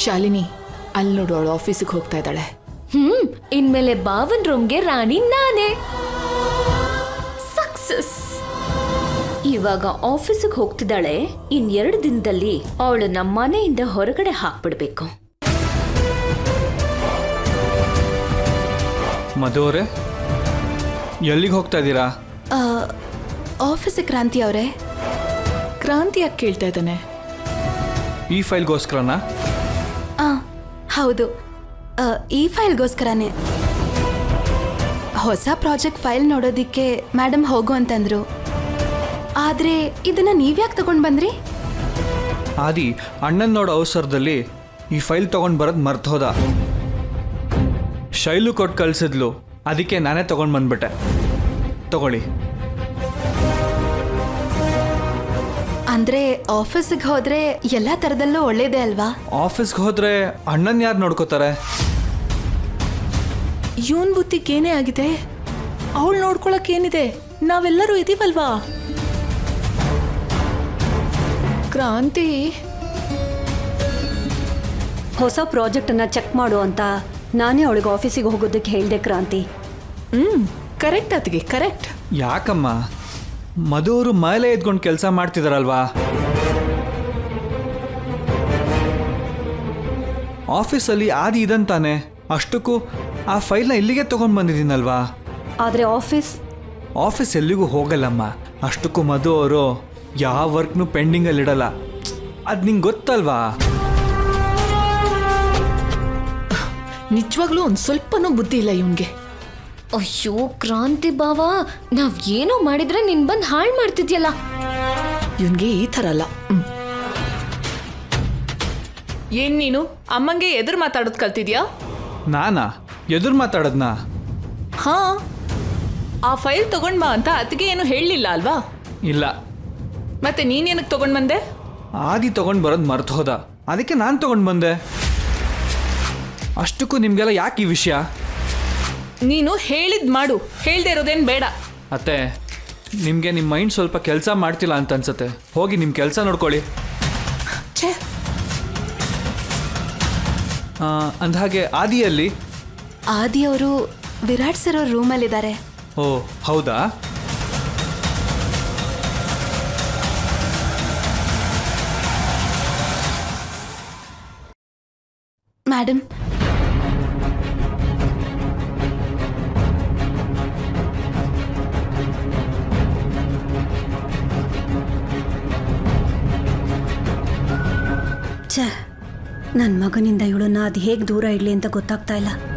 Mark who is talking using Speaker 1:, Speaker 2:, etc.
Speaker 1: ಶಾಲಿನಿ ಅಲ್ಲಿ ನೋಡು, ಅವಳು ಆಫೀಸಿಗೆ ಹೋಗ್ತಾ ಇದ್ದಾಳೆ.
Speaker 2: ಇನ್ಮೇಲೆ ಬಾವನ್ ರೂಮ್ಗೆ ರಾಣಿ ನಾನೇ. ಸಕ್ಸಸ್. ಇವಾಗ ಆಫೀಸಿಗೆ ಹೋಗ್ತಿದ್ದಾಳೆ. ಇನ್ 2 ದಿನದಲ್ಲಿ ಅವಳು ನಮ್ಮ ಮನೆಯಿಂದ ಹೊರಗಡೆ ಹಾಕ್ಬಿಡ್ಬೇಕು.
Speaker 3: ಮಧು ಅವರೇ, ಎಲ್ಲಿಗೆ ಹೋಗ್ತಾ ಇದ್ದೀರಾ?
Speaker 1: ಆಫೀಸಿಗೆ. ಕ್ರಾಂತಿ ಅವರೇ. ಕ್ರಾಂತಿ ಯಾಕೆ ಕೇಳ್ತಾ ಇದ್ದಾನೆ?
Speaker 3: ಈ ಫೈಲ್ಗೋಸ್ಕರನಾ?
Speaker 4: ಹೌದು, ಈ ಫೈಲ್ಗೋಸ್ಕರನೇ. ಹೊಸ ಪ್ರಾಜೆಕ್ಟ್ ಫೈಲ್ ನೋಡೋದಿಕ್ಕೆ ಮೇಡಮ್ ಹೋಗು ಅಂತಂದ್ರು. ಆದ್ರೆ ಇದನ್ನ ನೀವ್ಯಾಕೆ ತಗೊಂಡ್ ಬಂದ್ರಿ?
Speaker 3: ಆದಿ ಅಣ್ಣನ್ ನೋಡೋ ಅವಸರದಲ್ಲಿ ಈ ಫೈಲ್ ತಗೊಂಡ್ ಬರೋದು ಮರ್ತು ಹೋದ. ಶೈಲು ಕೊಟ್ಟು ಕಳ್ಸಿದ್ಲು, ಅದಕ್ಕೆ ನಾನೇ ತಗೊಂಡ್ ಬಂದ್ಬಿಟ್ಟೆ. ತಗೊಳ್ಳಿ.
Speaker 4: ಅಂದ್ರೆ ಆಫೀಸಿಗೆ ಹೋದ್ರೆ ಎಲ್ಲಾ ತರದಲ್ಲೂ ಒಳ್ಳೇದೇ ಅಲ್ವಾ?
Speaker 3: ಆಫೀಸ್ಗೆ ಹೋದ್ರೆ ಅಣ್ಣನ್ ಯಾರು ನೋಡ್ಕೋತಾರೆ?
Speaker 1: ಇವನ್ ಬುದ್ಧಿಗೇನೇ ಆಗಿದೆ? ಅವಳು ನೋಡ್ಕೊಳಕ್ ಏನಿದೆ, ನಾವೆಲ್ಲರೂ ಇದೀವಲ್ವಾ. ಕ್ರಾಂತಿ,
Speaker 5: ಹೊಸ ಪ್ರಾಜೆಕ್ಟನ್ನು ಚೆಕ್ ಮಾಡು ಅಂತ ನಾನೇ ಅವಳಿಗೆ ಆಫೀಸಿಗೆ ಹೋಗೋದಕ್ಕೆ ಹೇಳಿದೆ ಕ್ರಾಂತಿ.
Speaker 1: ಕರೆಕ್ಟ್ ಅತ್ತಿಗೆ, ಕರೆಕ್ಟ್.
Speaker 3: ಯಾಕಮ್ಮ, ಮಧು ಅವರು ಮೇಲೆ ಎದ್ಕೊಂಡು ಕೆಲಸ ಮಾಡ್ತಿದಾರಲ್ವಾ. ಆಫೀಸಲ್ಲಿ ಆದಿ ಇದಂತಾನೆ, ಅಷ್ಟಕ್ಕೂ ಆ ಫೈಲ್ನ ಇಲ್ಲಿಗೆ ತಗೊಂಡು ಬಂದಿದ್ದೀನಲ್ವಾ.
Speaker 5: ಆದರೆ
Speaker 3: ಆಫೀಸ್ ಎಲ್ಲಿಗೂ ಹೋಗಲ್ಲಮ್ಮ. ಅಷ್ಟಕ್ಕೂ ಮಧು ಅವರು ಯಾವ ವರ್ಕ್ನು ಪೆಂಡಿಂಗಲ್ಲಿಡಲ್ಲ. ಅದು ನಿಂಗೆ ಗೊತ್ತಲ್ವಾ.
Speaker 1: ನಿಜವಾಗ್ಲೂ ಒಂದು ಸ್ವಲ್ಪನೂ ಬುದ್ಧಿ ಇಲ್ಲ ಇವನ್ಗೆ.
Speaker 2: ಅಯ್ಯೋ ಕ್ರಾಂತಿ ಬಾವ, ನಾವ್ ಏನೋ ಮಾಡಿದ್ರೆ ನಿನ್ ಬಂದ್ ಹಾಳು ಮಾಡ್ತಿದ್ಯಲ್ಲ.
Speaker 1: ಇವನ್ಗೆ ಈ ಥರ ಅಲ್ಲ. ಏನ್ ನೀನು ಅಮ್ಮಂಗೆ ಎದುರು ಮಾತಾಡೋದು ಕಲ್ತಿದ್ಯಾ?
Speaker 3: ನಾನಾ ಎದುರು ಮಾತಾಡೋದ್ನಾ?
Speaker 1: ಹಾ, ಆ ಫೈಲ್ ತಗೊಂಡ್ ಬಾ ಅಂತ ಅತ್ತಿಗೆ ಏನು ಹೇಳಲಿಲ್ಲ ಅಲ್ವಾ?
Speaker 3: ಇಲ್ಲ.
Speaker 1: ಮತ್ತೆ ನೀನೇನಕ್ಕೆ ತಗೊಂಡ್ ಬಂದೆ?
Speaker 3: ಆದಿ ತಗೊಂಡು ಬರೋದು ಮರ್ತು ಹೋದ, ಅದಕ್ಕೆ ನಾನು ತಗೊಂಡು ಬಂದೆ. ಅಷ್ಟಕ್ಕೂ ನಿಮಗೆಲ್ಲ ಯಾಕೆ ಈ ವಿಷಯ?
Speaker 1: ನೀನು ಹೇಳಿದ್ ಮಾಡು, ಹೇಳ್ದೆ ಇರೋದೇನು ಬೇಡ.
Speaker 3: ಅತ್ತೆ, ನಿಮಗೆ ನಿಮ್ಮ ಮೈಂಡ್ ಸ್ವಲ್ಪ ಕೆಲಸ ಮಾಡ್ತಿಲ್ಲ ಅಂತ ಅನ್ಸುತ್ತೆ. ಹೋಗಿ ನಿಮ್ಮ ಕೆಲಸ ನೋಡ್ಕೊಳ್ಳಿ.
Speaker 1: ಛೇ,
Speaker 3: ಅಂದಹಾಗೆ ಆದಿಯಲ್ಲಿ?
Speaker 4: ಆದಿ ಅವರು ವಿರಾಟ್ ಸರ್ ಅವ್ರ ರೂಮಲ್ಲಿದ್ದಾರೆ.
Speaker 3: ಓ ಹೌದಾ?
Speaker 4: ಮೇಡಮ್,
Speaker 5: ಛೇ, ನನ್ನ ಮಗನಿಂದ ಇವಳನ್ನ ಅದು ಹೇಗೆ ದೂರ ಇಡಲಿ ಅಂತ ಗೊತ್ತಾಗ್ತಾ ಇಲ್ಲ.